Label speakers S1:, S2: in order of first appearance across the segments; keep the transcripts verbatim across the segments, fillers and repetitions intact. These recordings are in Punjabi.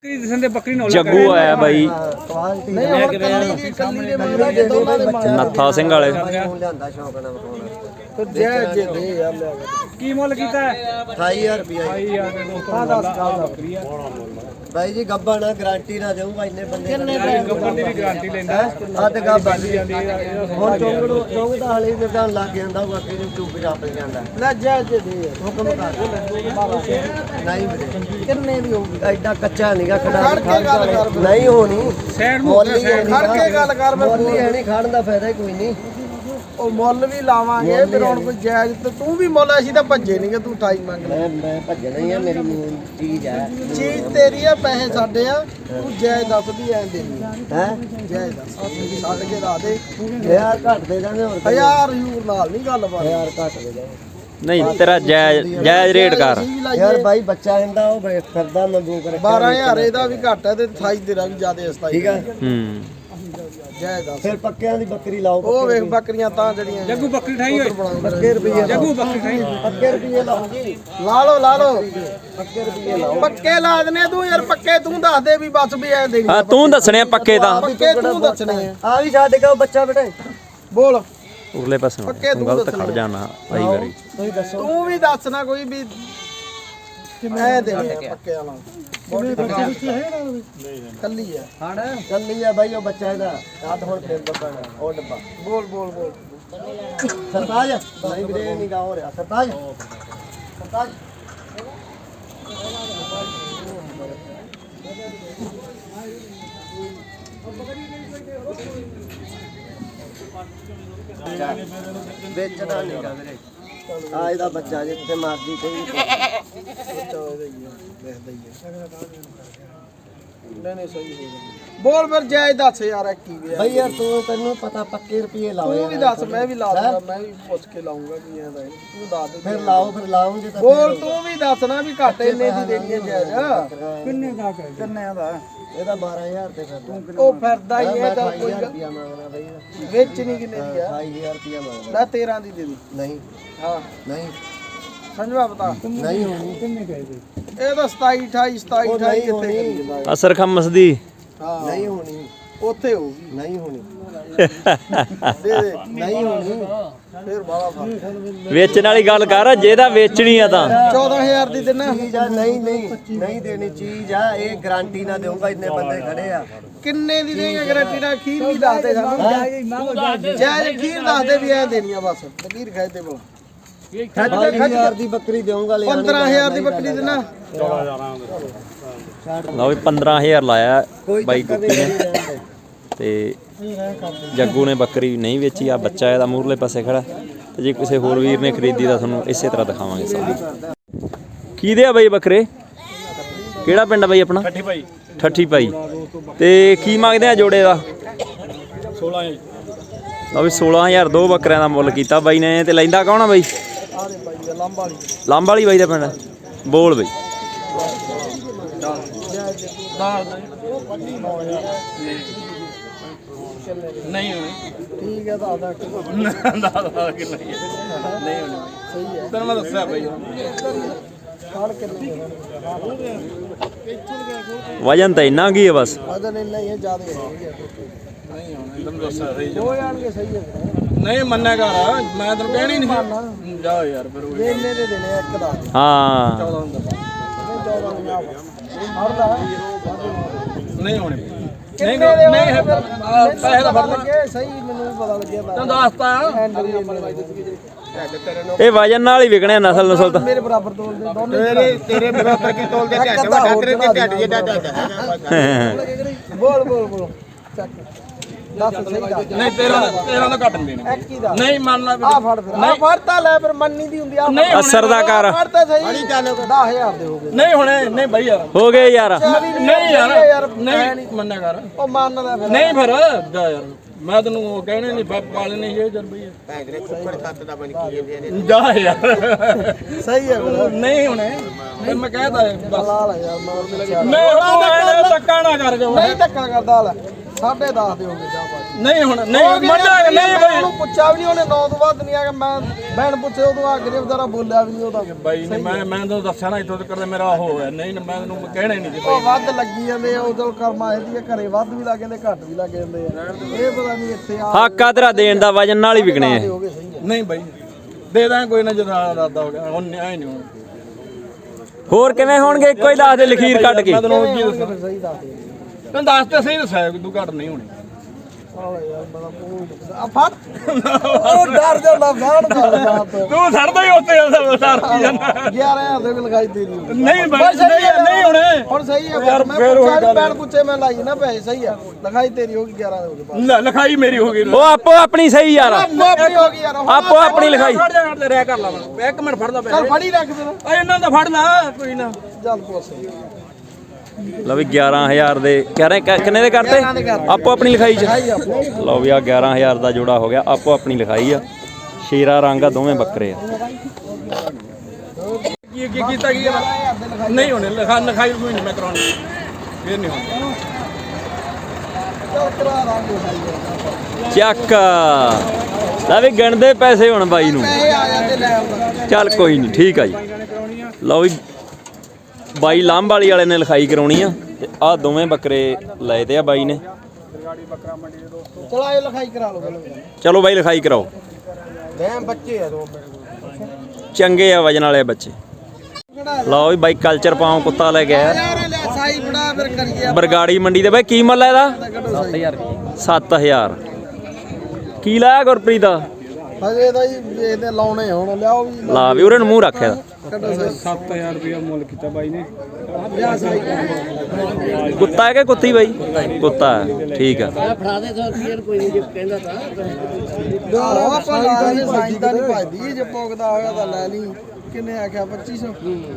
S1: जग्गू आया भाई नत्था सिंह वाले
S2: भाई जी गब्बा ना गारंटी ना दूंगा इन्ने बंदे गब्बा दी गारंटी लेंदा हद गब्बा हुन चोंगड़ो चोंग दा हले निर्धान लग जांदा बाकी नु चुप जाप जांदा ले जा जे दे हुक्म कर नहीं मेरे किन्ने दी होगी एडा कच्चा नहींगा खड़ा नहीं होनी मोल खड़ के गल कर मैं मोल है नहीं खाण दा फायदा ही कोई नहीं ਉਹ ਮੁੱਲ ਵੀ ਲਾਵਾਂਗੇ ਫਿਰ ਹੁਣ ਕੋਈ ਜਾਇਜ਼ ਤੇ ਤੂੰ ਵੀ ਮੁੱਲ ਅਸੀਂ ਤਾਂ ਭੱਜੇ ਨਹੀਂਗੇ ਤੂੰ ਅਠਾਈ ਮੰਗ ਲੈ ਮੈਂ ਭੱਜਣਾ ਹੀ ਆ ਮੇਰੀ ਚੀਜ਼ ਹੈ ਚੀਜ਼ ਤੇਰੀ ਆ ਪੈਸੇ ਸਾਡੇ ਆ ਤੂੰ ਜਾਇਜ਼ ਦੱਸਦੀ ਐ ਦੇਣੀ ਹੈ ਜਾਇਜ਼ ਦੱਸ ਛੱਡ ਕੇ ਲਾ ਦੇ ਯਾਰ ਘੱਟ ਦੇ ਦਾਂਗੇ ਹੋਰ ਹਜ਼ਾਰ ਯੂਰ ਨਾਲ ਨਹੀਂ ਗੱਲ ਬਾਤ ਯਾਰ ਘੱਟ ਦੇ ਦੇ
S1: नहीं तेरा जायज जायज रेट कर
S2: यार भाई बच्चा इंदा ओ करदा मंगू करे बारह हज़ार ਇਹਦਾ ਵੀ ਘੱਟ ਹੈ ਤੇ अट्ठाईस ਤੇਰਾ ਵੀ ਜ਼ਿਆਦਾ ਅਸਤਾਈ ਠੀਕ ਹੈ ਹੂੰ ਜਾਇਜ਼ ਦੱਸ ਫਿਰ ਪੱਕਿਆਂ ਦੀ ਬੱਕਰੀ ਲਾਓ ਉਹ ਵੇਖ ਬੱਕਰੀਆਂ ਤਾਂ ਜੜੀਆਂ ਜੱਗੂ ਬੱਕਰੀ ਠਾਈ ਹੋਏ ਪੱਕੇ ਰੁਪਏ ਜੱਗੂ ਬੱਕਰੀ ਠਾਈ ਪੱਕੇ ਰੁਪਏ ਲਾਓ ਜੀ ਲਾ ਲਓ ਲਾ ਲਓ ਪੱਕੇ ਰੁਪਏ ਲਾਓ ਪੱਕੇ ਲਾ ਦਨੇ ਤੂੰ ਯਾਰ ਪੱਕੇ ਤੂੰ ਦੱਸ ਦੇ ਵੀ ਬਸ ਵੀ ਐ ਦੇਣੀ
S1: ਹਾਂ ਤੂੰ ਦੱਸਣੇ ਪੱਕੇ ਤਾਂ
S2: ਪੱਕੇ ਤੂੰ ਦੱਸਣੇ ਆ ਆ ਵੀ ਛੱਡ ਕੇ ਬੱਚਾ ਬੇਟੇ ਬੋਲ
S1: ਉਰਲੇ ਪਾਸੇ ਗਲਤ ਖੜ ਜਾਣਾ ਭਾਈ ਵਾਰੀ
S2: ਤੁਸੀਂ ਦੱਸੋ ਤੂੰ ਵੀ ਦੱਸਣਾ ਕੋਈ ਵੀ ਐ ਦੇ ਪੱਕੇ ਵਾਲਾ ਬੋਲੀ ਬੱਚੀ ਹੈ ਨਾ ਨਹੀਂ ਕੱਲੀ ਹੈ ਹਾਂ ਕੱਲੀ ਹੈ ਭਾਈ ਉਹ ਬੱਚਾ ਇਹਦਾ ਰਾਤ ਹੁਣ ਫੇਰ ਬੱਕਣਾ ਉਹ ਡੱਬਾ ਬੋਲ ਬੋਲ ਬੋਲ ਸਰਤਾਜ ਨਹੀਂ ਵੀਰੇ ਨਹੀਂ ਗਾ ਹੋ ਰਿਹਾ ਸਰਤਾਜ ਸਰਤਾਜ ਵੇਚਣਾ ਨਹੀਂ ਗਾ ਵੀਰੇ ਆ ਇਹਦਾ ਬੱਚਾ ਜਿੱਥੇ ਮਰਜੀ ਕੋਈ ਦੇਖਦਾ ਹੀ ਨਹੀਂ ਨਹੀਂ ਸਹੀ ਹੋ ਗਿਆ ਬੋਲ ਫਿਰ ਜਾਇਜ਼ ਦੱਸ ਯਾਰ ਕੀ ਵੀ ਬਈ ਯਾਰ ਤੂੰ ਤੈਨੂੰ ਪਤਾ ਪੱਕੇ ਰੁਪਏ ਲਾਓ ਤੂੰ ਵੀ ਦੱਸ ਮੈਂ ਵੀ ਲਾ ਦੂੰਗਾ ਮੈਂ ਵੀ ਪੁੱਛ ਕੇ ਲਾਉਂਗਾ ਕੀ ਐਂਦਾ ਤੂੰ ਦੱਸ ਦੇ ਫਿਰ ਲਾਓ ਫਿਰ ਲਾਉਂਗੇ ਤਾਂ ਬੋਲ ਤੂੰ ਵੀ ਦੱਸਣਾ ਵੀ ਘੱਟ ਇੰਨੇ ਦੀ ਦੇਣੀ ਹੈ ਜਾਇਜ਼ ਕਿੰਨੇ ਦਾ ਕਿੰਨੇ ਦਾ ਇਹਦਾ ਬਾਰਾਂ ਹਜ਼ਾਰ ਤੇ ਫਿਰ ਉਹ ਫਿਰਦਾ ਹੀ ਇਹ ਤਾਂ ਕੋਈ ਰੁਪਿਆ ਮੰਗਣਾ ਬਈ ਵੇਚਣੀ ਕਿੰਨੇ ਦੀ ਆ ਅਠਾਈ ਹਜ਼ਾਰ ਰੁਪਿਆ ਮੰਗਦਾ ਲੈ ਤੇਰਾਂ ਦੀ ਦੇ ਦੀ ਨਹੀਂ ਹਾਂ ਨਹੀਂ ਸੰਜਵਾ ਬਤਾ ਨਹੀਂ ਹੋਣੀ ਕਿੰਨੇ ਕਹੇ ਇਹ ਤਾਂ ਸਤਾਈ ਅਠਾਈ ਸਤਾਈ ਅਠਾਈ ਕਿੱਥੇ
S1: ਅਸਰ ਖਮਸ ਦੀ
S2: ਹਾਂ ਨਹੀਂ ਹੋਣੀ ਉੱਥੇ ਹੋਊਗੀ ਨਹੀਂ ਹੋਣੀ ਦੇ ਦੇ ਨਹੀਂ ਹੋਣੀ ਫਿਰ ਬਾਲਾ ਫਰਕ
S1: ਵੇਚਣ ਵਾਲੀ ਗੱਲ ਕਰ ਜੇ ਤਾਂ ਵੇਚਣੀ ਆ ਤਾਂ
S2: ਚੌਦਾਂ ਹਜ਼ਾਰ ਦੀ ਦੇਣਾ ਚੀਜ਼ ਆ ਨਹੀਂ ਨਹੀਂ ਨਹੀਂ ਦੇਣੀ ਚੀਜ਼ ਆ ਇਹ ਗਾਰੰਟੀ ਨਾ ਦੇਊਂਗਾ ਇੰਨੇ ਬੰਦੇ ਖੜੇ ਆ ਕਿੰਨੇ ਦੀ ਦੇਂਗੇ ਗਾਰੰਟੀ ਨਾਲ ਖੀਰ ਵੀ ਦੱਸ ਦੇ ਸਾਨੂੰ ਜਾਇਜ਼ ਖੀਰ ਦੱਸ ਦੇ ਵੀ ਐ ਦੇਣੀ ਆ ਬਸ ਖੀਰ ਖਾਏ ਤੇ ਬੋਲ ਬਾਈ ਹਜ਼ਾਰ ਦੀ ਬੱਕਰੀ ਦੇਊਂਗਾ ਲੈ ਪੰਦਰਾਂ ਹਜ਼ਾਰ ਦੀ ਬੱਕਰੀ ਦੇਣਾ
S1: ਲਓ ਵੀ ਪੰਦਰਾਂ ਹਜ਼ਾਰ ਲਾਇਆ ਬਾਈ ਗੁੱਪੀ ਨੇ ਤੇ ਜੱਗੂ ਨੇ ਬੱਕਰੀ ਨਹੀਂ ਵੇਚੀ ਆ ਬੱਚਾ ਇਹਦਾ ਮੂਹਰਲੇ ਪਾਸੇ ਖੜਾ ਤੇ ਜੇ ਕਿਸੇ ਹੋਰ ਵੀਰ ਨੇ ਖਰੀਦੀ ਤਾਂ ਤੁਹਾਨੂੰ ਇਸੇ ਤਰ੍ਹਾਂ ਦਿਖਾਵਾਂਗੇ ਸਾਰੀ ਕਿਹਦੇ ਆ ਬਾਈ ਬੱਕਰੇ ਕਿਹੜਾ ਪਿੰਡ ਬਾਈ ਆਪਣਾ ਠੱਠੀ ਭਾਈ ਠੱਠੀ ਭਾਈ ਤੇ ਕੀ ਮੰਗਦੇ ਆ ਜੋੜੇ ਦਾ ਸੋਲਾਂ ਲਓ ਵੀ ਸੋਲਾਂ ਹਜ਼ਾਰ ਦੋ ਬੱਕਰਿਆਂ ਦਾ ਮੁੱਲ ਕੀਤਾ ਬਾਈ ਨੇ ਤੇ ਲੈਂਦਾ ਕੌਣ ਆ ਬਾਈ ਲਾਂਬਾ ਵਾਲੀ ਬਾਈ ਦਾ ਪਿੰਡ ਬੋਲ ਬਾਈ
S2: ਨਹੀਂ ਹੋਣੀ ਠੀਕ ਹੈ ਤਾਂ ਆਦਾ ਦਾਦਾ ਕਿੰਨਾ ਹੀ ਨਹੀਂ ਹੋਣੀ ਸਹੀ ਹੈ ਤੈਨੂੰ ਮੈਂ ਦੱਸਿਆ ਬਾਈ ਖਾਣ ਕਿੰਨੇ
S1: ਵਜਨ ਤਾਂ ਇੰਨਾ ਕੀ ਹੈ ਬਸ
S2: ਵਜਨ ਇੰਨਾ ਹੀ ਹੈ ਜ਼ਿਆਦਾ ਹੈ ਨਹੀਂ ਹੋਣੀ ਤੈਨੂੰ ਦੱਸਿਆ ਸਹੀ ਹੋ ਜਾਣਗੇ ਸਹੀ ਹੈ ਨਹੀਂ ਮੰਨਿਆ ਕਰ ਮੈਂ ਤੈਨੂੰ ਕਹਿਣੀ ਨਹੀਂ ਜਾ ਯਾਰ ਫਿਰ ਉਹ ਇੰਨੇ ਦੇ ਦੇਣੇ ਇੱਕ ਦਾ
S1: ਹਾਂ
S2: ਚੌਦਾਂ ਹੁੰਦਾ ਚੌਦਾਂ ਹਰਦਾ ਨਹੀਂ ਹੋਣੇ ਨਹੀਂ ਨਹੀਂ ਪੈਸੇ ਦਾ ਫੜ ਲੱਗੇ ਸਹੀ ਮੈਨੂੰ ਪਤਾ ਲੱਗਿਆ ਤੈਨੂੰ ਦੱਸਤਾ
S1: ਇਹ ਵਜਨ ਨਾਲ ਹੀ ਵਿਕਣੇ ਨਸਲ ਨਸਲ ਤਾਂ
S2: ਮੇਰੇ ਬਰਾਬਰ ਤੋਲਦੇ ਦੋਨੇ ਤੇਰੇ ਤੇਰੇ ਬਰਾਬਰ ਕੀ ਤੋਲਦੇ ਢੱਡ ਵੱਡਾ ਤੇਰੇ ਤੇ ਢੱਡ ਜਿਹਾ ਢੱਡ ਬੋਲ ਬੋਲ ਬੋਲ ਚੱਕ ਦੱਸ ਸਹੀ ਦੱਸ ਨਹੀਂ ਤੇਰਾ ਤੇਰਾ ਦਾ ਘੱਟ ਨਹੀਂ ਦੇਣਾ ਇੱਕ ਹੀ ਦਾ ਨਹੀਂ ਮੰਨਣਾ ਆ ਫੜ ਫਿਰ ਆ ਫੜਤਾ ਲੈ ਫਿਰ ਮੰਨੀ ਦੀ ਹੁੰਦੀ ਆ
S1: ਅਸਰ ਦਾ ਕਰ
S2: ਫੜਤਾ ਸਹੀ ਚੱਲ ਦਸ ਹਜ਼ਾਰ ਦੇ ਹੋ ਗਏ ਨਹੀਂ ਹੁਣੇ ਨਹੀਂ ਬਈ ਯਾਰ
S1: ਹੋ ਗਏ ਯਾਰ
S2: ਨਹੀਂ ਯਾਰ ਨਹੀਂ ਮੰਨਿਆ ਕਰ ਉਹ ਮੰਨਦਾ ਫਿਰ ਨਹੀਂ ਫਿਰ ਜਾ ਯਾਰ ਮੈਂ ਤੈਨੂੰ ਉਹ ਕਹਿਣੇ ਨਹੀਂ ਪਾਲੇ ਨਹੀਂ ਇਹ ਜਰ ਬਈ ਭੈਂਦਰੇ ਕੁੱਕੜ ਖੱਤ ਦਾ ਬਣ ਕੀ ਜਾਂਦੇ ਨੇ ਜਾ ਯਾਰ ਸਹੀ ਹੈ ਨਹੀਂ ਹੁਣੇ ਫਿਰ ਮੈਂ ਕਹਿਦਾ ਬਸ ਲਾਲ ਯਾਰ ਮਾਰ ਮਿਲ ਗਿਆ ਮੈਂ ਹੁਣ ਧੱਕਾ ਨਾ ਕਰ ਜਾ ਨਹੀਂ ਧੱਕਾ ਕਰਦਾ ਲੈ ਸਾਢੇ ਦਸ ਦੇ ਹੋ ਗਏ ਜਾ
S3: ਨਹੀਂ ਹੁਣ ਨਹੀਂ ਮੰਨਾ ਨਹੀਂ ਬਾਈ
S4: ਉਹਨੂੰ ਪੁੱਛਿਆ ਵੀ ਨਹੀਂ ਉਹਨੇ ਨੌ ਤੋਂ ਬਾਅਦ ਨਹੀਂ ਆ ਕੇ ਮੈਂ ਬੈਣ ਪੁੱਛੇ ਉਦੋਂ ਆ ਕੇ ਵਿਚਾਰਾ ਬੋਲਿਆ ਵੀ ਨਹੀਂ ਉਹਦਾ
S3: ਬਾਈ ਨੇ ਮੈਂ ਮੈਂ ਤੁਹਾਨੂੰ ਦੱਸਿਆ ਨਾ ਇੱਥੋਂ ਤੱਕ ਮੇਰਾ ਹੋ ਗਿਆ ਨਹੀਂ ਮੈਂ ਤੈਨੂੰ ਕਹਿਣਾ ਹੀ ਨਹੀਂ ਸੀ
S4: ਉਹ ਵੱਧ ਲੱਗੀ ਜਾਂਦੇ ਆ ਉਦੋਂ ਕਰਮਾ ਇਹਦੀ ਘਰੇ ਵੱਧ ਵੀ ਲੱਗ ਜਾਂਦੇ ਘੱਟ ਵੀ ਲੱਗ ਜਾਂਦੇ ਆ ਇਹ ਪਤਾ ਨਹੀਂ ਇੱਥੇ ਆ
S1: ਹੱਕ ਆ ਤੇਰਾ ਦੇਣ ਦਾ ਵਜਨ ਨਾਲ ਹੀ ਵਿਕਣੇ ਆ
S4: ਹੋ ਗਏ ਸਹੀ
S3: ਨਹੀਂ ਬਾਈ ਦੇ ਦਾਂ ਕੋਈ ਨਾ ਜਦੋਂ ਦਾਦਾ ਹੋ ਗਿਆ ਹੁਣ ਨਿਆਂ ਨਹੀਂ ਹੁਣ
S1: ਹੋਰ ਕਿਵੇਂ ਹੋਣਗੇ ਇੱਕੋ ਹੀ ਦੱਸ ਦੇ ਲਖੀਰ ਕੱਢ ਕੇ
S3: ਮੈਂ ਤੈਨੂੰ ਕੀ ਦੱਸਾਂ
S4: ਆ ਸਹੀ ਦੱਸ ਦੇ
S3: ਤੈਨੂੰ ਦੱਸ ਤੇ ਸਹੀ ਦੱਸਿਆ ਕਿ ਤੂੰ ਘੱਟ ਨਹੀਂ ਹੋਣੀ
S4: ਆ ਯਾਰ ਬੜਾ ਕੋਈ ਆ ਫੜ ਉਹ ਡਰ ਜਾਂਦਾ ਫਾਣ ਕਰ ਸਾਥ
S3: ਤੂੰ ਛੱਡਦਾ ਹੀ ਉੱਤੇ ਸਰ ਕੀ ਜਾਂਦਾ
S4: ਗਿਆਰਾਂ ਹਜ਼ਾਰ ਦੇ ਵੀ ਲਗਾਈ ਤੇਰੀ
S3: ਨਹੀਂ ਬਾਈ ਨਹੀਂ ਨਹੀਂ ਹੋਣੇ
S4: ਹੁਣ ਸਹੀ ਹੈ
S3: ਯਾਰ
S4: ਮੈਂ
S3: ਫੇਰ ਉਹੀ
S4: ਪੁੱਛਿਆ
S3: ਗੱਲ
S4: ਬੈਣ ਪੁੱਛੇ ਮੈਂ ਲਾਈ ਨਾ ਪੈਸੇ ਸਹੀ ਆ ਲਗਾਈ ਤੇਰੀ ਹੋ ਗਈ ਗਿਆਰਾਂ ਹੋ ਗਏ
S3: ਲੈ, ਲਿਖਾਈ ਮੇਰੀ ਹੋ ਗਈ
S1: ਉਹ ਆਪੋ ਆਪਣੀ ਸਹੀ ਯਾਰ
S4: ਆਪਣੀ ਹੋ ਗਈ ਯਾਰ
S1: ਆਪੋ ਆਪਣੀ ਲਿਖਾਈ
S3: ਫੜ ਜਾ ਫੜ ਰਹਿ ਕਰ ਲਾ ਮੈਂ ਇੱਕ ਮਿੰਟ ਫੜਦਾ
S4: ਚੱਲ
S3: ਪੈ
S4: ਫੜੀ ਰੱਖ ਫਿਰ
S3: ਓਏ ਇਹਨਾਂ ਦਾ ਫੜ ਲਾ ਕੋਈ ਨਾ
S4: ਚੱਲ ਪੁੱਛ
S1: ਲਓ ਵੀ ਗਿਆਰਾਂ ਹਜ਼ਾਰ ਦੇ ਕਹਿ ਰਹੇ ਕਿ- ਕਿੰਨੇ ਦੇ ਕਰਤੇ ਆਪੋ ਆਪਣੀ ਲਿਖਾਈ ਚ ਲਓ ਵੀ ਆ ਗਿਆਰਾਂ ਹਜ਼ਾਰ ਦਾ ਜੋੜਾ ਹੋ ਗਿਆ ਆਪੋ ਆਪਣੀ ਲਿਖਾਈ ਆ ਸ਼ੇਰਾ ਰੰਗ ਆ ਦੋਵੇਂ ਬੱਕਰੇ ਆ
S3: ਕੀ ਕੀ ਕੀਤਾ ਕੀ ਨਹੀਂ ਹੋਣੇ ਲਿਖਾ ਲਿਖਾਈ ਕੋਈ ਨਹੀਂ ਮੈਂ ਕਰਾਉਣੀ ਫੇਰ ਨਹੀਂ ਹੋਣੀ
S4: ਚੱਲ ਕਰਾ ਦਾਂਗੇ ਸਹੀ
S1: ਚੱਕ ਲੈ ਵੀ ਗਿਣਦੇ ਪੈਸੇ ਹੁਣ ਬਾਈ ਨੂੰ
S4: ਪੈਸੇ ਆ ਜਾਂਦੇ ਲੈ ਆਉਂਦਾ
S1: ਚੱਲ ਕੋਈ ਨਹੀਂ ਠੀਕ ਆ ਜੀ ਲਓ ਵੀ ਬਾਈ ਲਾਂਭ ਵਾਲੀ ਵਾਲੇ ਨੇ ਲਿਖਾਈ ਕਰਾਉਣੀ ਆ ਤੇ ਆ ਦੋਵੇਂ ਬੱਕਰੇ ਲਏ ਤੇ ਆ ਬਾਈ ਨੇ
S4: ਚਲ ਆਇਓ ਲਿਖਾਈ ਕਰਾ ਲਓ ਪਹਿਲਾਂ
S1: ਚਲੋ ਬਾਈ ਲਿਖਾਈ ਕਰਾਓ
S4: ਦੇ ਬੱਚੇ ਆ ਦੋ
S1: ਚੰਗੇ ਆ ਵਜਨ ਵਾਲੇ ਬੱਚੇ ਲਓ ਵੀ ਬਾਈ ਕਲਚਰ ਪਾਉ ਕੁੱਤਾ ਲੈ ਕੇ ਆਇਆ
S4: ਯਾਰ ਲੈ ਸਾਈ ਬੜਾ ਫਿਰ ਕਰੀਏ
S1: ਬਰਗਾੜੀ ਮੰਡੀ ਦੇ ਬਾਈ ਕੀ ਮੁੱਲ ਹੈ ਇਹਦਾ
S4: ਸੱਤ ਹਜ਼ਾਰ
S1: ਸੱਤ ਹਜ਼ਾਰ ਕੀ ਲਾਇਆ ਗੁਰਪ੍ਰੀਤ ਦਾ
S4: ਹਜੇ ਤਾਂ ਜੀ ਇਹਦੇ ਲਾਉਣੇ ਹੁਣ ਲਿਆਓ ਵੀ
S1: ਲਾ ਵੀ ਉਰੇ ਨੂੰ ਮੂੰਹ ਰੱਖਿਆ
S4: ਕੱਢੋ ਸਹੀ
S3: ਸੱਤ ਹਜ਼ਾਰ ਰੁਪਇਆ ਮੁੱਲ ਕੀਤਾ ਬਾਈ ਨੇ
S4: ਲਿਆ ਸਾਈ
S1: ਕੁੱਤਾ ਹੈ ਕਿ ਕੁੱਤੀ ਬਾਈ ਕੁੱਤਾ ਹੈ ਠੀਕ ਆ
S4: ਫੜਾ ਦੇ ਸੌ ਰੁਪਏ ਕੋਈ ਨਹੀਂ ਕਹਿੰਦਾ ਤਾਂ ਉਹ ਆਪਾਂ ਲਾ ਦੇ ਸਾਈ ਦਾ ਨਹੀਂ ਭਜਦੀ ਜੇ ਪੋਕਦਾ ਹੋਇਆ ਤਾਂ ਲੈ ਲਈ ਕਿੰਨੇ ਆਖਿਆ ਪੱਚੀ ਸੌ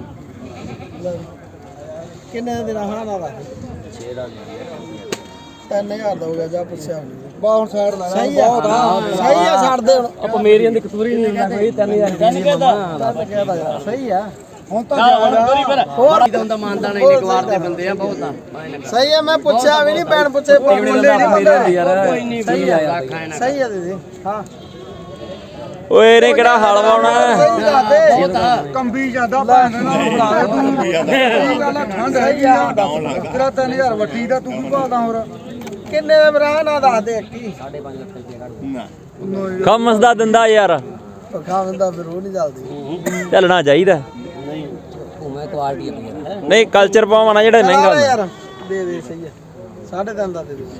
S4: ਕਿੰਨੇ ਦੇ ਰਹਾ ਨਾ ਦਾ ਛੇ ਦਾ ਤਿੰਨ ਹਜ਼ਾਰ ਦਾ ਹੋ ਗਿਆ ਜਾ ਪੁੱਛਿਆ ਬਾ ਹੁਣ ਸਾਈਡ ਲਾ ਸਹੀ ਆ ਸਹੀ ਆ ਛੱਡ ਦੇ ਹੁਣ
S3: ਆਪਾਂ ਮੇਰੀਆਂ ਦੀ ਕਤੂਰੀ ਨਹੀਂ ਲੈਣਾ ਕੋਈ ਤਿੰਨ ਹਜ਼ਾਰ
S4: ਤਿੰਨ ਕਹਿਦਾ ਯਾਰ ਸਹੀ ਆ ਹੁਣ ਤਾਂ ਹੋਰ
S5: ਦਾ ਮਾਨਦਾ ਨਹੀਂ ਨਿਕਵਾਰ ਦੇ ਬੰਦੇ ਆ ਬਹੁਤ ਆ
S4: ਸਹੀ ਆ ਮੈਂ ਪੁੱਛਿਆ ਵੀ ਨਹੀਂ ਭੈਣ ਪੁੱਛੇ ਮੁੱਲੇ ਨਹੀਂ ਬੰਦੇ
S5: ਯਾਰ ਕੋਈ ਨਹੀਂ ਆ
S4: ਸਹੀ ਆ ਦੀਦੀ ਹਾਂ
S1: ਓਏ ਇਹਨੇ ਕਿਹੜਾ ਹਲ ਵਾਉਣਾ
S4: ਸਹੀ ਦੱਸ ਦੇ ਕੰਬੀ ਜਾਂਦਾ ਭੈਣ ਨਾਲ ਬੁਲਾਵੇ ਤੂੰ ਇਹ ਗੱਲ ਠੰਡ ਹੈਗੀ ਆ ਤੇਰਾ ਤਿੰਨ ਹਜ਼ਾਰ ਵੱਟੀ ਦਾ ਤੂੰ ਕੀ ਭਾਲਦਾ ਹੋਰ ਕਿੰਨੇ ਦੇ ਬਰਾ ਨਾ ਦੱਸ ਦੇ ਇੱਕੀ
S5: ਸਾਢੇ ਪੰਜ ਲੱਖ ਰੁਪਏ ਕੱਢ
S1: ਖਮਸ ਦਾ ਦਿੰਦਾ ਯਾਰ
S4: ਪੱਖਾ ਬੰਦਾ ਫਿਰ ਉਹ ਨਹੀਂ ਚੱਲਦੀ
S1: ਚੱਲਣਾ ਚਾਹੀਦਾ
S5: ਨਹੀਂ ਘੁੰਮੇ ਕੁਆਲਟੀ ਆ
S1: ਨਹੀਂ ਕਲਚਰ ਪਾਉਣਾ ਜਿਹੜਾ ਮਹਿੰਗਾ ਹੁੰਦਾ
S4: ਯਾਰ ਦੇ ਦੇ ਸਹੀ ਆ ਸਾਢੇ ਤਿੰਨ ਦਾ ਦੇ ਦੇ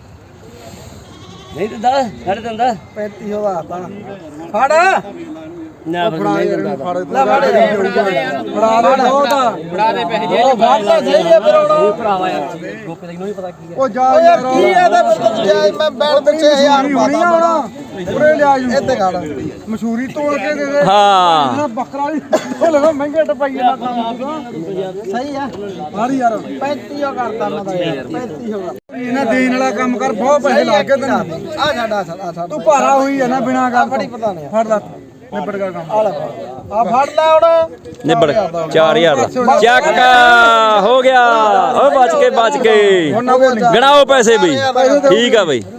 S5: ਨਹੀਂ ਦਿੰਦਾ ਸਾਢੇ ਦਿੰਦਾ
S4: ਪੈਂਤੀ ਸੌ ਦਾ ਤਾਂ ਫੜ
S5: ਨਾ
S4: ਫੜਾ ਯਾਰ ਇਹਨੂੰ ਫੜ ਲੈ ਫੜ ਫੜਾ ਦੇ ਬਹੁਤਾ
S5: ਬੜਾ ਦੇ ਪੈਸੇ
S4: ਉਹ ਫੜ ਲੈ ਸਹੀ ਆ ਫਿਰ ਹੁਣ
S5: ਭਰਾਵਾ ਯਾਰ ਗੋਪੇ ਤੈਨੂੰ ਨਹੀਂ ਪਤਾ ਕੀ
S4: ਉਹ ਜਾ ਯਾਰ ਕੀ ਆ ਇਹਦਾ ਫਿਰ ਜਾਇਜ਼ ਮੈਂ ਬੈਠ ਪਿੱਛੇ ਹਜ਼ਾਰ ਪਾਦਾ ਬਣਾ ਪੂਰੇ ਲਿਆ ਜੂ ਇੱਥੇ ਖੜ ਮਸ਼ਹੂਰੀ ਤੋੜ ਕੇ ਦੇ ਦੇ
S1: ਹਾਂ
S4: ਬੱਕਰਾ ਵੀ ਉਹ ਲੈਣਾ ਮਹਿੰਗੇ ਟਪਾਈਏ ਨਾ ਸਹੀ ਆ ਮਾਰੀ ਯਾਰ ਪੈਂਤੀ ਸੌ ਕਰਤਾ ਮੈਂ ਤਾਂ ਯਾਰ ਪੈਂਤੀ ਸੌ ਇਹਨਾਂ ਦੇਣ ਵਾਲਾ ਕੰਮ ਕਰ ਬਹੁਤ ਪੈਸੇ ਲਾ ਕੇ ਤੈਨੂੰ ਆ ਛੱਡ ਆ ਛੱਡ ਤੂੰ ਭਾਰਾ ਹੋਈ ਆ ਨਾ ਬਿਨਾ ਗੱਲ ਬੜੀ ਪਤਾ ਨਹੀਂ ਫੜ ਲੈ ਨਿਬੜ ਗਿਆ ਕੰਮ ਆ ਲੈ ਆ ਫੜ ਲੈ ਹੁਣ
S1: ਨਿਬੜ ਚਾਰ ਹਜ਼ਾਰ ਦਾ ਚੱਕ ਹੋ ਗਿਆ ਓ ਬਚ ਕੇ ਬਚ ਕੇ ਗਣਾਓ ਪੈਸੇ ਬਈ ਠੀਕ ਆ ਬਈ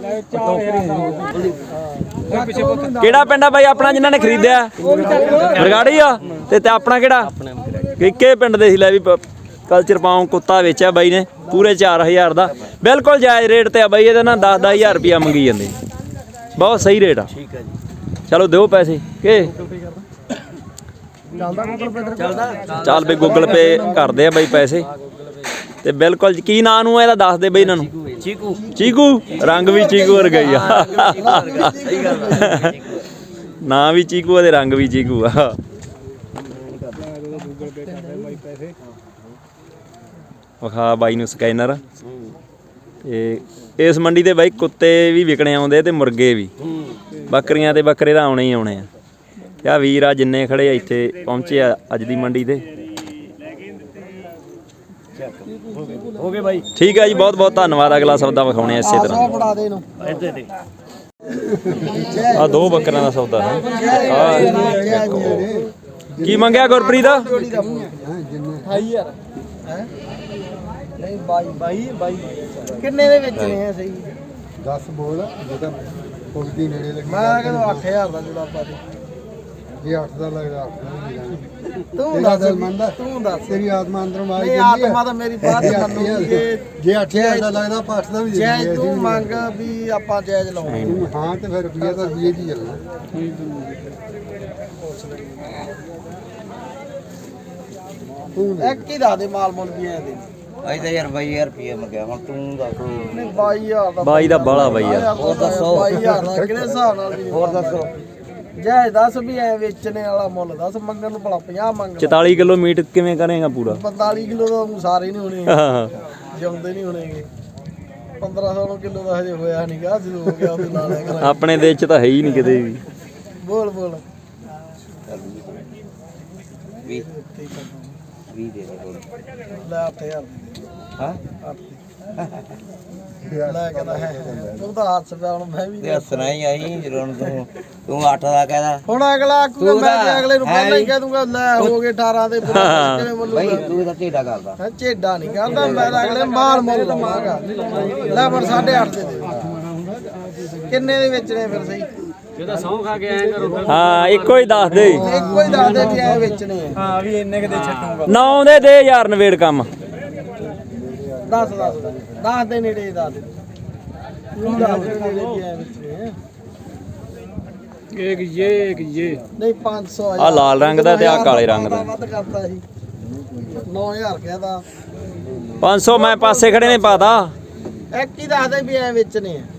S1: ਕਿਹੜਾ ਪਿੰਡ ਆ ਬਾਈ ਆਪਣਾ ਜਿਨ੍ਹਾਂ ਨੇ ਖਰੀਦਿਆ ਬਰਗਾੜੀ ਆ ਤੇ ਤੇ ਆਪਣਾ ਕਿਹੜਾ ਕਿੱਕੇ ਪਿੰਡ ਦੇ ਸੀ ਲੈ ਵੀ ਕਲਚਰ ਪਾਉ ਕੁੱਤਾ ਵੇਚਿਆ ਬਾਈ ਨੇ ਪੂਰੇ ਚਾਰ ਹਜ਼ਾਰ ਦਾ ਬਿਲਕੁਲ ਜਾਇਜ਼ ਰੇਟ ਤੇ ਆ ਬਾਈ ਇਹਦੇ ਨਾਲ ਦਸ ਦਸ ਹਜ਼ਾਰ ਰੁਪਿਆ ਮੰਗੀ ਜਾਂਦੇ ਬਹੁਤ ਸਹੀ ਰੇਟ ਆ ਠੀਕ ਆ ਜੀ ਚਲੋ ਦਿਓ ਪੈਸੇ ਕਿ
S4: ਚੱਲਦਾ ਗੂਗਲ ਪੇ
S5: ਚੱਲਦਾ
S1: ਚੱਲ ਬਈ ਗੂਗਲ ਪੇ ਕਰਦੇ ਆ ਬਾਈ ਪੈਸੇ ਤੇ ਬਿਲਕੁਲ ਕੀ ਨਾਂ ਨੂੰ ਇਹਦਾ ਦੱਸ ਦੇ ਬਈ ਇਹਨਾਂ ਨੂੰ
S5: ਚੀਕੂ
S1: ਚੀਕੂ ਰੰਗ ਵੀ ਚੀਕੂ ਵਰਗਾ ਹੀ ਆ
S5: ਸਹੀ ਗੱਲ
S1: ਨਾਂ ਵੀ ਚੀਕੂ ਆ ਤੇ ਰੰਗ ਵੀ ਚੀਕੂ ਆ ਵਿਖਾ ਬਾਈ ਨੂੰ ਸਕੈਨਰ ਤੇ ਇਸ ਮੰਡੀ ਤੇ ਬਾਈ ਕੁੱਤੇ ਵੀ ਵਿਕਣੇ ਆਉਂਦੇ ਤੇ ਮੁਰਗੇ ਵੀ ਬੱਕਰੀਆਂ ਤੇ ਬੱਕਰੇ ਤਾਂ ਆਉਣੇ ਹੀ ਆਉਣੇ ਆ ਤੇ ਆ ਵੀਰ ਆ ਜਿੰਨੇ ਖੜੇ ਆ ਇੱਥੇ ਪਹੁੰਚੇ ਆ ਅੱਜ ਦੀ ਮੰਡੀ ਤੇ
S5: ਹੋ ਗਏ ਬਾਈ
S1: ਠੀਕ ਹੈ ਜੀ ਬਹੁਤ ਬਹੁਤ ਧੰਨਵਾਦ ਅਗਲਾ ਸੌਦਾ ਵਿਖਾਉਣੇ ਆ ਇਸੇ ਤਰ੍ਹਾਂ
S4: ਫੜਾ ਦੇ ਇਹਨੂੰ
S5: ਇੱਥੇ ਤੇ
S1: ਆ ਦੋ ਬੱਕਰਾਂ ਦਾ ਸੌਦਾ ਹੈ ਆ ਕੀ ਮੰਗਿਆ ਗੁਰਪ੍ਰੀਤ ਦਾ
S4: ਅਠਾਈ ਹਜ਼ਾਰ ਹੈ ਨਹੀਂ ਬਾਈ ਬਾਈ ਬਾਈ ਕਿੰਨੇ ਦੇ ਵੇਚਣੇ ਆ ਸਹੀ
S6: ਦਸ ਬੋਲ ਜਿਹਦਾ ਪੁੱਗਦੀ ਨੇੜੇ ਲੱਗੀ
S4: ਮੈਂ ਕਹਿੰਦਾ ਅੱਠ ਹਜ਼ਾਰ ਦਾ ਜੁਲਾਬਾ ਦੇ
S6: ਜੇ ਅੱਠ ਦਾ ਲੱਗਦਾ ਅੱਠ ਦਾ ਵੀ ਜਾਣਾ
S4: ਤੂੰ
S6: ਤੇਰਾ
S4: ਦੱਸ
S6: ਦਿਲ ਮੰਨਦਾ
S4: ਤੂੰ ਦੱਸ
S6: ਤੇਰੀ ਆਤਮਾ ਅੰਦਰੋਂ ਆਈ
S4: ਨਹੀਂ
S6: ਜਾਂਦੀ
S4: ਆਤਮਾ ਤਾਂ ਮੇਰੀ ਬਾਤ ਮੰਨੂਗੀ ਜੇ
S6: ਜੇ ਅੱਠ ਹਜ਼ਾਰ ਦਾ ਲੱਗਦਾ ਆਪਾਂ ਅੱਠ ਦਾ ਵੀ ਦੇ
S4: ਜੈ
S6: ਦਿੰਦੇ
S4: ਤੂੰ ਮੰਗ ਵੀ ਆਪਾਂ ਜਾਇਜ਼ ਲਾਉਣੀ
S6: ਤੂੰ ਹਾਂ ਤੇ ਫਿਰ ਰੁਪਈਆ ਤਾਂ ਰੁਪਈਏ ਦੀ ਚੱਲਣਾ
S4: ਇੱਕ ਹੀ ਦੱਸ ਦੇ ਮਾਲ ਮੁੱਲ ਵੀ ਐ ਦੇ
S5: ਅਸੀਂ ਤਾਂ ਯਾਰ ਬਾਈ ਹਜ਼ਾਰ ਰੁਪਏ ਮੰਗਿਆ ਹੁਣ ਤੂੰ ਦੱਸ
S4: ਨਹੀਂ ਬਾਈ ਹਜ਼ਾਰ ਦਾ
S1: ਬਾਈ ਦਾ ਬਾਲਾ ਬਾਈ ਯਾਰ
S4: ਹੋਰ ਦੱਸੋ ਬਾਈ ਹਜ਼ਾਰ ਦਾ ਕਿਹੜੇ ਹਿਸਾਬ ਨਾਲ ਵੀ
S5: ਹੋਰ ਦੱਸੋ
S4: ਜੈ ਦੱਸ ਵੀ ਐ ਵੇਚਣੇ ਵਾਲਾ ਮੁੱਲ ਦੱਸ ਮੰਗਣ ਨੂੰ ਭਲਾ ਪੰਜਾਹ ਮੰਗ
S1: ਚੁਤਾਲੀ ਕਿਲੋ ਮੀਟ ਕਿਵੇਂ ਕਰੇਗਾ ਪੂਰਾ
S4: ਪੰਤਾਲੀ ਕਿਲੋ ਦਾ ਊਂ ਸਾਰੇ ਨਹੀਂ ਹੋਣੇ
S1: ਹਾਂ
S4: ਜਿਉਂਦੇ ਨਹੀਂ ਹੋਣੇਗੇ ਪੰਦਰਾਂ ਸੌ ਕਿਲੋ ਦਾ ਹਜੇ ਹੋਇਆ ਨਹੀਂਗਾ ਜਦੋਂ ਹੋ ਗਿਆ ਉਹਦੇ ਨਾਲ ਲਿਆ ਕਰਾਂਗੇ।
S1: ਆਪਣੇ ਦੇਸ਼ ਚ ਤਾਂ ਹੈ ਹੀ ਨਹੀਂ ਕਿਤੇ ਵੀ
S4: ਬੋਲ ਬੋਲ
S5: ਵੀਹ ਵੀਹ ਦੇ ਦੇ ਹੋਰ
S4: ਲੈ ਅੱਠ ਹਜ਼ਾਰ ਦੇ ਦੇ।
S5: ਹਾਂ
S4: ਅੱਠ ਦੇ। ਲੈ ਕਹਿੰਦਾ ਹੈ ਤੂੰ ਤਾਂ ਹੱਥ ਪਿਆ ਹੁਣ ਮੈਂ ਵੀ
S5: ਤੇ ਹੱਸਣਾ ਹੀ ਆਈ ਜਦੋਂ ਤੂੰ ਤੂੰ ਅੱਠ ਦਾ ਕਹਿਦਾ
S4: ਹੁਣ ਅਗਲਾ ਆਖੂਗਾ ਮੈਂ ਤੇ ਅਗਲੇ ਨੂੰ ਪਹਿਲਾਂ ਹੀ ਕਹਿ ਦੂੰਗਾ ਲੈ ਹੋ ਗਏ ਅਠਾਰਾਂ ਦੇ ਕਿਵੇਂ
S5: ਬਾਈ
S4: ਬੋਲੂਗਾ
S5: ਤੂੰ ਤਾਂ ਢੇਡਾ ਕਰਦਾ
S4: ਹੈ ਝੇਡਾ ਨਹੀਂ ਕਰਦਾ ਮੈਂ ਤਾਂ ਅਗਲੇ ਮਾਲ ਮੁੱਲ ਲਵਾਂਗਾ ਲੈ ਪਰ ਸਾਢੇ ਅੱਠ ਦੇ ਦੇ ਕਿੰਨੇ ਦੇ ਵੇਚਣੇ ਫਿਰ ਸਹੀ
S1: ਹਾਂ ਇੱਕੋ ਹੀ ਦੱਸ ਦੇ
S4: ਇੱਕੋ ਹੀ ਦੱਸ ਦੇ ਵੀ ਐ ਵੇਚਣੇ ਆ
S3: ਹਾਂ ਵੀ ਇੰਨੇ ਕਿਤੇ ਛੱਡੂਗਾ
S1: ਨੌ ਦੇ ਦੇ ਯਾਰ ਨਵੇੜ ਕੰਮ
S4: ਦਸ ਦਸ ਦਸ ਦੇ ਨੇੜੇ ਦੱਸ ਦੇ ਤੂੰ ਦੱਸ ਦੇ ਨੇੜੇ ਵੀ ਐ ਵੇਚਣੇ ਆ
S3: ਇੱਕ ਇਹ ਇੱਕ ਇਹ
S4: ਨਹੀਂ ਪੰਜ ਸੌ
S1: ਆਹ ਲਾਲ ਰੰਗ ਦਾ ਤੇ ਆਹ ਕਾਲੇ ਰੰਗ ਦਾ।
S4: ਵੱਧ ਕਰਤਾ ਸੀ ਨੌ ਹਜ਼ਾਰ ਕਹਿਦਾ
S1: ਪੰਜ ਸੌ ਮੈਂ ਪਾਸੇ ਖੜੇ ਨੇ ਪਾਤਾ
S4: ਇੱਕ ਹੀ ਦੱਸ ਦੇ ਵੀ ਐ ਵੇਚਣੇ ਆ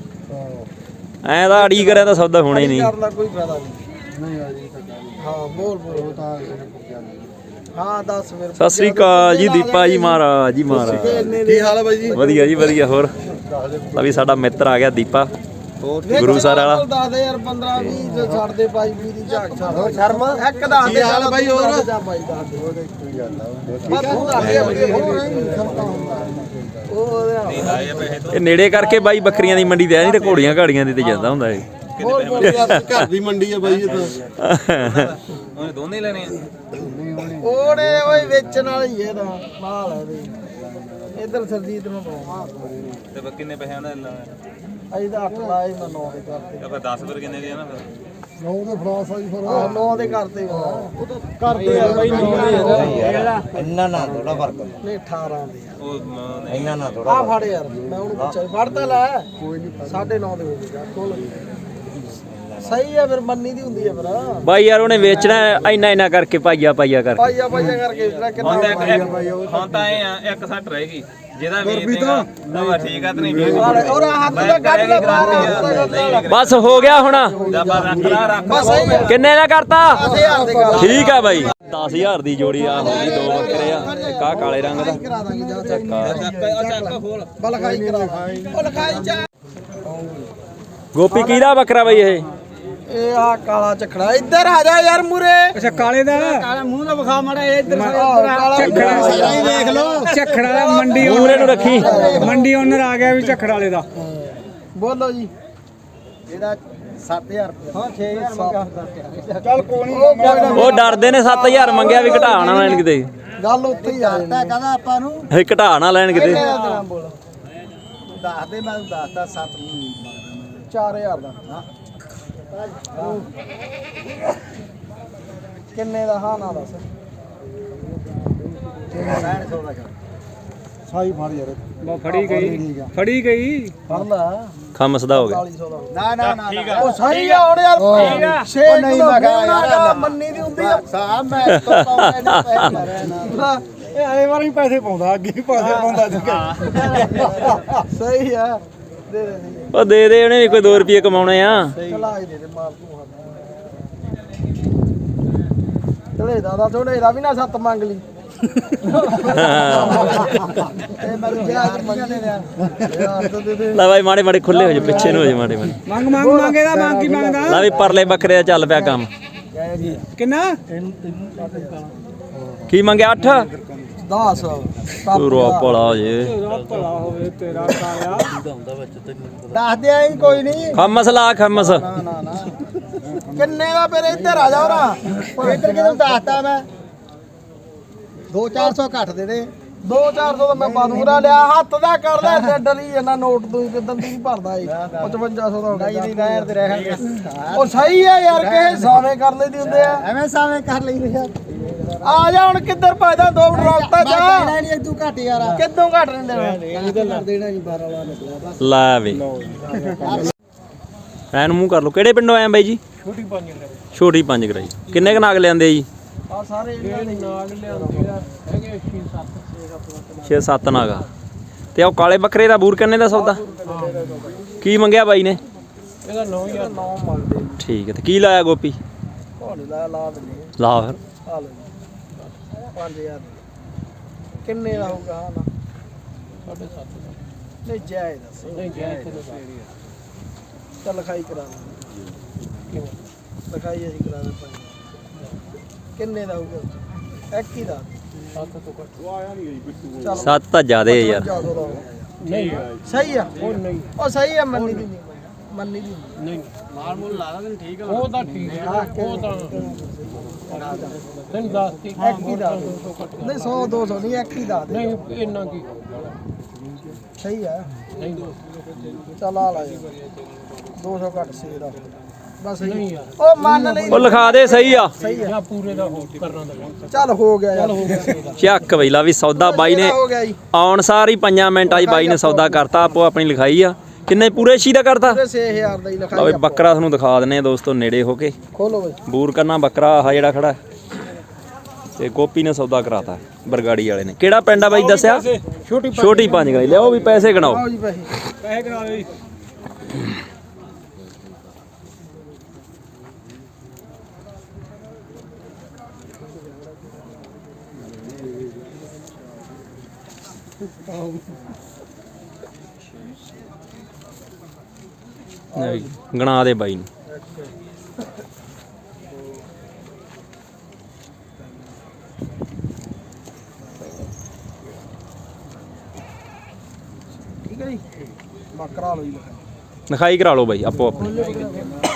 S1: ਐਂ ਤਾਂ ਅੜੀ ਕਰਿਆ ਤਾਂ ਸੌਦਾ ਹੋਣਾ ਹੀ ਨਹੀਂ
S4: ਕਰਨ ਦਾ ਕੋਈ ਫਾਇਦਾ ਨਹੀਂ
S6: ਨਹੀਂ ਆ ਜੀ ਤਾਂ ਗੱਲ
S4: ਹਾਂ ਬੋਲ ਬੋਲ
S6: ਤਾਂ
S4: ਹਾਂ ਦੱਸ ਫਿਰ
S1: ਸਤਿ ਸ੍ਰੀ ਅਕਾਲ ਜੀ ਦੀਪਾ ਜੀ ਮਹਾਰਾਜ ਜੀ ਮਹਾਰਾਜ
S4: ਕੀ ਹਾਲ ਹੈ ਬਾਈ ਜੀ
S1: ਵਧੀਆ ਜੀ ਵਧੀਆ ਹੋਰ ਤਾਂ ਵੀ ਸਾਡਾ ਮਿੱਤਰ ਆ ਗਿਆ ਦੀਪਾ ਗੁਰੂ ਸਰ ਵਾਲਾ
S4: ਦੱਸ ਦੇ ਯਾਰ ਪੰਦਰਾਂ ਵੀਹ ਜੇ ਛੱਡ ਦੇ ਬਾਈ ਵੀਹ ਦੀ ਝਾਕ ਛੱਡ ਸ਼ਰਮਾ ਇੱਕ ਦੱਸ ਦੇ ਹਾਲ ਬਾਈ ਹੋਰ ਜਾ ਬਾਈ ਦੱਸ ਦੇ
S6: ਉਹਦੇ ਕੋਈ ਗੱਲ ਆ
S4: ਬਸ ਤੂੰ ਦੱਸ ਦੇ ਅੱਗੇ ਹੋਰ ਉਹ ਉਹਦੇ
S1: ਇਹ ਨੇੜੇ ਕਰਕੇ ਬਾਈ ਬੱਕਰੀਆਂ ਦੀ ਮੰਡੀ ਤੇ ਆ ਨਹੀਂ ਤੇ ਘੋੜੀਆਂ ਘਾੜੀਆਂ ਦੀ ਤੇ ਜਾਂਦਾ ਹੁੰਦਾ ਇਹ
S4: ਬੋਲ ਬੋਲ ਯਾਰ
S6: ਘਰ ਦੀ ਮੰਡੀ ਆ ਬਾਈ ਇਹ ਤਾਂ
S3: ਉਹਨੇ ਦੋਨੇ ਲੈਣੇ ਆ
S4: ਉਹਨੇ ਓਏ ਵੇਚਣ ਵਾਲੀ ਇਹ ਤਾਂ ਮਾਲ ਹੈ ਬਈ ਇਧਰ ਸਰਜੀਤ ਨੂੰ ਪਾਉਂ
S3: ਤੇ ਕਿੰਨੇ ਪੈਸੇ ਉਹਨਾਂ ਨੇ
S4: ਅਜੇ ਤਾਂ ਅੱਠ ਲਾਏ ਮੈਂ ਨੌ ਦੇ ਕਰਤੇ
S3: ਆਪਾਂ ਦਸ ਫਿਰ ਕਿੰਨੇ ਦੇ ਆ ਨਾ ਫਿਰ
S6: ਨੌ ਦੇ ਫਰਾਸ ਆ ਜੀ ਫਿਰ
S4: ਆਹ ਨੌ ਦੇ ਕਰਤੇ ਉਹ ਤਾਂ ਕਰਦੇ ਆ ਬਈ ਨੌ ਦੇ
S5: ਇੰਨਾ ਨਾ ਥੋੜਾ ਫਰਕ
S4: ਨਹੀਂ ਅਠਾਰਾਂ ਦੇ ਆ
S3: ਉਹ
S5: ਇੰਨਾ ਨਾ ਥੋੜਾ
S4: ਆ ਫੜ ਯਾਰ ਮੈਂ ਉਹਨੂੰ ਪੁੱਛਿਆ ਫੜ ਤਾਂ ਲੈ ਕੋਈ ਨਹੀਂ ਸਾਢੇ ਨੌ ਦੇ ਹੋ ਗਏ ਕੋਲ ਸਹੀ ਆ ਫਿਰ ਮੰਨੀ ਦੀ ਹੁੰਦੀ ਆ ਫਿਰ
S1: ਬਾਈ ਯਾਰ ਉਹਨੇ ਵੇਚਣਾ ਇੰਨਾ ਇੰਨਾ ਕਰਕੇ ਪਾਈਆ ਪਾਈਆ ਕਰਕੇ
S4: ਪਾਈਆ ਪਾਈਆ ਕਰਕੇ ਜਿਹੜਾ ਕਿੰਨਾ
S3: ਹੁਣ ਤਾਂ ਇਹ ਆ ਇੱਕ ਸੱਟ ਰਹੇਗੀ ਜਿਹਦਾ ਵੇਚ ਦੇਗਾ ਤਾਂ ਠੀਕ ਆ ਤੇ ਨਹੀਂ ਵੇਚ
S4: ਔਰ ਹੱਥ ਦਾ ਕੱਢ ਲੈ ਬਾਹਰ
S1: ਬਸ ਹੋ ਗਿਆ ਹੁਣ
S3: ਆਪਾਂ ਰੱਖ ਲਾ ਰੱਖ
S4: ਬਸ ਸਹੀ ਆ
S1: ਕਿੰਨੇ ਦਾ ਕਰਤਾ
S4: ਦਸ ਹਜ਼ਾਰ ਦੇ ਕਰ
S1: ਠੀਕ ਆ ਬਾਈ ਦਸ ਹਜ਼ਾਰ ਦੀ ਜੋੜੀ ਆ ਹੋ ਗਈ ਦੋ ਬੱਕਰੇ ਆ ਇੱਕ ਆ ਕਾਲੇ ਰੰਗ ਦਾ
S4: ਕਰਾ ਦਾਂਗੇ ਜਾ ਚੱਕ
S3: ਚੱਕ ਖੋਲ
S4: ਬਲਖਾਈ ਕਰਾ ਉਹ ਲਖਾਈ ਚਾ
S1: ਗੋਪੀ ਕਿਹਦਾ ਬੱਕਰਾ ਬਾਈ ਇਹ
S4: ਇਹ ਆ ਕਾਲਾ ਝਖੜਾ ਇੱਧਰ ਆ ਜਾ ਯਾਰ ਮੂਰੇ
S3: ਅੱਛਾ ਕਾਲੇ ਦਾ ਕਾਲਾ ਮੂੰਹ ਦਾ ਵਿਖਾ ਮੜਾ ਇੱਧਰ
S4: ਝਖੜਾ
S3: ਹੀ ਦੇਖ ਲਓ ਝੱਖੜ ਵਾਲਾ ਮੰਡੀ
S1: ਮੂਰੇ ਨੂੰ ਰੱਖੀ
S3: ਮੰਡੀ ਓਨਰ ਆ ਗਿਆ ਵੀ ਝੱਖੜ ਵਾਲੇ ਦਾ
S4: ਬੋਲੋ ਜੀ ਇਹਦਾ ਸੱਤ ਹਜ਼ਾਰ ਰੁਪਏ ਹਾਂ ਛੇ ਹਜ਼ਾਰ ਮੰਗਾ ਚੱਲ ਕੋਈ ਨਹੀਂ
S1: ਉਹ ਡਰਦੇ ਨੇ ਸੱਤ ਹਜ਼ਾਰ ਮੰਗਿਆ ਵੀ ਘਟਾ ਨਾ ਲੈਣ ਕਿਤੇ
S4: ਗੱਲ ਉੱਥੇ ਹੀ ਆ ਜਾਂਦੀ ਕਹਿੰਦਾ ਆਪਾਂ ਨੂੰ
S1: ਇਹ ਘਟਾ ਨਾ ਲੈਣ ਕਿਤੇ
S4: ਬੋਲ ਦੱਸ ਦੇ ਮੈਂ ਦੱਸਦਾ ਸੱਤ ਚਾਰ ਹਜ਼ਾਰ ਦਾ ਹਾਂ ਕਿੰਨੇ ਦਾ ਹਾਂ ਨਾ ਦੱਸ
S6: ਸਾਈ ਫੜ ਯਾਰ
S3: ਬਾ ਫੜੀ ਗਈ ਫੜੀ ਗਈ
S4: ਫੜ ਲੈ
S1: ਖਮਸਦਾ ਹੋ ਗਿਆ
S4: ਚਾਲੀ ਸੌ ਦਾ ਨਾ ਨਾ ਨਾ ਉਹ ਸਹੀ ਆ ਹੁਣ ਯਾਰ ਠੀਕ ਆ ਛੇ ਨਹੀਂ ਮਗਾ ਮੰਨੀ ਦੀ ਹੁੰਦੀ ਆ ਸਾਹਿਬ ਮੈਂ ਤੋਂ ਪਾਉਂਦਾ ਨਹੀਂ ਪੈਸੇ ਨਾ
S6: ਇਹ ਆਏ ਵਾਰ ਹੀ ਪੈਸੇ ਪਾਉਂਦਾ ਅੱਗੇ ਹੀ ਪੈਸੇ ਪਾਉਂਦਾ ਜੁਗੇ
S4: ਸਹੀ ਆ ਦੇ ਦੇ ਦੇ
S1: ਉਹ ਦੇ ਦੇ ਉਹਨੇ ਵੀ ਕੋਈ ਦੋ ਰੁਪਏ ਕਮਾਉਣੇ ਆ
S4: ਚਲਾ ਹੀ ਦੇ ਦੇ ਮਾਰ ਤੂੰ ਹੱਥ ਚਲੇ ਦਾਦਾ ਥੋੜੇ ਦਾ ਵੀ ਨਾ ਸੱਤ ਮੰਗ ਲਈ ਇਹ ਮੈਂ ਕਿਹਾ ਮੰਗ ਦੇ ਰਿਆ ਯਾਰ ਤਾਂ ਦੇ ਦੇ
S1: ਲੈ ਬਾਈ ਮਾੜੇ ਮਾੜੇ ਖੁੱਲੇ ਹੋ ਜਾ ਪਿੱਛੇ ਨੂੰ ਹੋ ਜਾ ਮਾੜੇ ਮਾੜੇ
S3: ਮੰਗ ਮੰਗ ਮੰਗੇਦਾ ਮੰਗ ਕੀ ਮੰਗਦਾ
S1: ਲੈ ਵੀ ਪਰਲੇ ਬੱਕਰੇ ਦਾ ਚੱਲ ਪਿਆ ਕੰਮ
S3: ਕਿੰਨਾ
S1: ਕੀ ਮੰਗਿਆ ਅੱਠ
S4: ਦਸ
S1: ਪੂਰਾ ਭਲਾ ਜੇ
S3: ਭਲਾ ਹੋਵੇ ਤੇਰਾ ਕਾਇਆ
S4: ਦੱਸ ਦੇ ਆਈ ਕੋਈ ਨਹੀਂ
S1: ਖਮਸ ਲਾ ਖਮਸ
S4: ਨਾ ਨਾ ਨਾ ਕਿੰਨੇ ਦਾ ਫਿਰ ਇੱਧਰ ਆ ਜਾ ਹੋਰਾ ਇੱਧਰ ਕਿਦੋਂ ਦੱਸਤਾ ਮੈਂ ਦੋ ਚਾਰ ਸੌ ਘੱਟ ਦੇ ਦੇ ਦੋ ਚਾਰ ਸੌ ਤਾਂ ਮੈਂ ਬਾਦੂਰਾ ਲਿਆ ਹੱਥ ਦਾ ਕਰਦਾ ਤੇ ਡਰੀ ਇਹਨਾਂ ਨੋਟ ਤੋਂ ਹੀ ਕਿਦਾਂ ਦੀ ਨਹੀਂ ਭਰਦਾ ਏ ਪਚਵੰਜਾ ਸੌ ਦਾ ਹੋ ਗਿਆ ਨਹੀਂ ਨਹੀਂ ਯਾਰ ਤੇ ਰਹਿ ਉਹ ਸਹੀ ਆ ਯਾਰ ਕਿਸੇ ਸਾਵੇਂ ਕਰ ਲਈਦੀ ਹੁੰਦੇ ਆ
S2: ਐਵੇਂ ਸਾਵੇਂ ਕਰ ਲਈ ਯਾਰ
S4: ਆ ਜਾ ਹੁਣ ਕਿੱਧਰ ਭਜਦਾ ਦੋ ਰੋਕਤਾ ਜਾ
S2: ਦੇਣਾ ਨਹੀਂ ਤੂੰ ਘੱਟ ਯਾਰ
S4: ਕਿੱਦੋਂ ਘੱਟ ਨਹੀਂ ਦੇਣਾ
S2: ਦੇਣਾ ਨਹੀਂ ਬਾਰਾਂ ਵਾਲਾ ਨਿਕਲਿਆ ਬਸ
S1: ਲੈ ਵੇ ਐਨ ਮੂੰਹ ਕਰ ਲਓ। ਕਿਹੜੇ ਪਿੰਡੋਂ ਆਏ ਆ ਬਾਈ ਜੀ?
S3: ਛੋਟੀ ਪੰਜ
S1: ਛੋਟੀ ਪੰਜ ਗਰਾਈ। ਕਿੰਨੇ ਕ ਨਾਗ ਲਿਆਂਦੇ ਜੀ?
S4: ਆ ਸਾਰੇ ਇਹਨਾਂ ਦੇ
S3: ਨਾਗ ਲਿਆਉਂਦੇ ਆ ਹੈਗੇ ਛੇ ਸੱਤ
S1: ਛੇ ਸੱਤ ਨਾਗਾ। ਤੇ ਉਹ ਕਾਲੇ ਬੱਕਰੇ ਦਾ ਬੂਰ ਕਿੰਨੇ ਦਾ ਸੌਦਾ ਕੀ ਮੰਗਿਆ ਬਾਈ ਨੇ?
S3: ਇਹਦਾ ਨੌ ਹਜ਼ਾਰ
S4: ਨੌ ਮੰਗਦੇ
S1: ਠੀਕ ਹੈ। ਤੇ ਕੀ ਲਾਇਆ ਗੋਪੀ?
S4: ਘੋੜੇ ਦਾ ਲਾ ਦਿੰਦੇ
S1: ਲਾ ਫਿਰ
S4: ਆ ਲਓ ਪੰਜ ਹਜ਼ਾਰ ਕਿੰਨੇ ਦਾ ਹੋਊਗਾ ਹਾਂ ਨਾ
S3: ਸਾਢੇ ਸੱਤ ਦਾ
S4: ਨਹੀਂ ਜਾਇਜ਼ ਦੱਸ
S3: ਨਹੀਂ ਜਾਇਜ਼ ਤੇ
S4: ਚੱਲ ਲਿਖਾਈ ਕਰਾ ਦੇ ਲਿਖਾਈ ਅਸੀਂ ਕਰਾ ਦੇ ਕਿੰਨੇ ਦਾ ਹੋਊਗਾ ਇੱਕ ਹੀ ਦਾ
S3: ਸੱਤ ਤੋਂ ਘੱਟ
S4: ਚੱਲ
S1: ਸੱਤ ਤਾਂ ਜ਼ਿਆਦੇ ਆ ਯਾਰ।
S3: ਨਹੀਂ
S4: ਸਹੀ ਆ
S3: ਉਹ ਨਹੀਂ
S4: ਉਹ ਸਹੀ ਆ ਮੰਨੀ ਦੀ ਮੰਨੀ ਦੀ
S3: ਨਹੀਂ ਮਾਲ ਮੂਲ ਲਾ ਦਾਂ ਠੀਕ ਆ ਉਹ ਤਾਂ ਠੀਕ ਹੈ ਉਹ ਤਾਂ ਤੈਨੂੰ ਦੱਸ ਤੀ
S4: ਇੱਕ ਹੀ ਦਾ ਨਹੀਂ ਸੌ ਦੋ ਸੌ ਨਹੀਂ ਇੱਕ ਹੀ ਦਾ ਦੇ
S3: ਨਹੀਂ ਇੰਨਾ ਕੀ
S4: ਸਹੀ ਆ
S3: ਨਹੀਂ
S4: ਚੱਲ ਆ ਲਾ ਦੋ ਸੌ ਘੱਟ ਸੀ ਇਹਦਾ ਬਸ
S3: ਨਹੀਂ
S4: ਸਹੀ
S3: ਯਾਰ
S4: ਉਹ ਮੰਨ ਲਈ
S1: ਉਹ ਲਿਖਾ ਦੇ ਸਹੀ ਆ।
S4: ਸਹੀ ਆ
S3: ਜਾਂ ਪੂਰੇ ਦਾ ਹੋ ਕਰਨਾ ਤਾਂ
S4: ਚੱਲ ਹੋ ਗਿਆ ਯਾਰ
S1: ਚੱਕ ਬਈ ਲਾ ਵੀ ਸੌਦਾ ਬਾਈ ਨੇ
S4: ਹੋ ਗਿਆ ਜੀ
S1: ਆਉਣ ਸਾਰ ਹੀ ਪੰਜਾਂ ਮਿੰਟਾਂ 'ਚ ਬਾਈ ਨੇ ਸੌਦਾ ਕਰਤਾ। ਆਪੋ ਆਪਣੀ ਲਿਖਾਈ ਆ। ਕਿੰਨੇ ਪੂਰੇ ਛੀ ਦਾ ਕਰਤਾ?
S4: ਪੂਰੇ ਛੇ ਹਜ਼ਾਰ ਦਾ ਹੀ
S1: ਲਓ
S4: ਲਿਖਾਈ
S1: ਬਈ ਬੱਕਰਾ ਤੁਹਾਨੂੰ ਦਿਖਾ ਦਿੰਨੇ ਆ ਦੋਸਤੋ ਨੇੜੇ ਹੋ ਕੇ।
S4: ਖੋਲੋ ਬਈ
S1: ਬੂਰ ਕਰਨਾ ਬੱਕਰਾ ਆਹ ਜਿਹੜਾ ਖੜਾ ਤੇ ਗੋਪੀ ਨੇ ਸੌਦਾ ਕਰਾਤਾ ਬਰਗਾੜੀ ਵਾਲੇ ਨੇ। ਕਿਹੜਾ ਪਿੰਡ ਆ ਬਾਈ ਦੱਸਿਆ?
S3: ਛੋਟੀ
S1: ਛੋਟੀ ਪੰਜ ਗਰਾਈ। ਲਿਆਓ ਵੀ ਪੈਸੇ ਗਣਾਓ।
S4: ਆਓ ਜੀ ਪੈਸੇ
S3: ਪੈਸੇ ਕਰਾ ਦੇ
S1: ਗਣਾ ਦੇ ਬਾਈ ਨੂੰ।
S4: ਠੀਕ ਹੈ ਜੀ ਬੱਕਰਾ ਲਓ ਜੀ
S1: ਲਿਖਾਈ ਕਰਾ ਲਓ ਬਾਈ ਆਪੋ ਆਪਣੀ।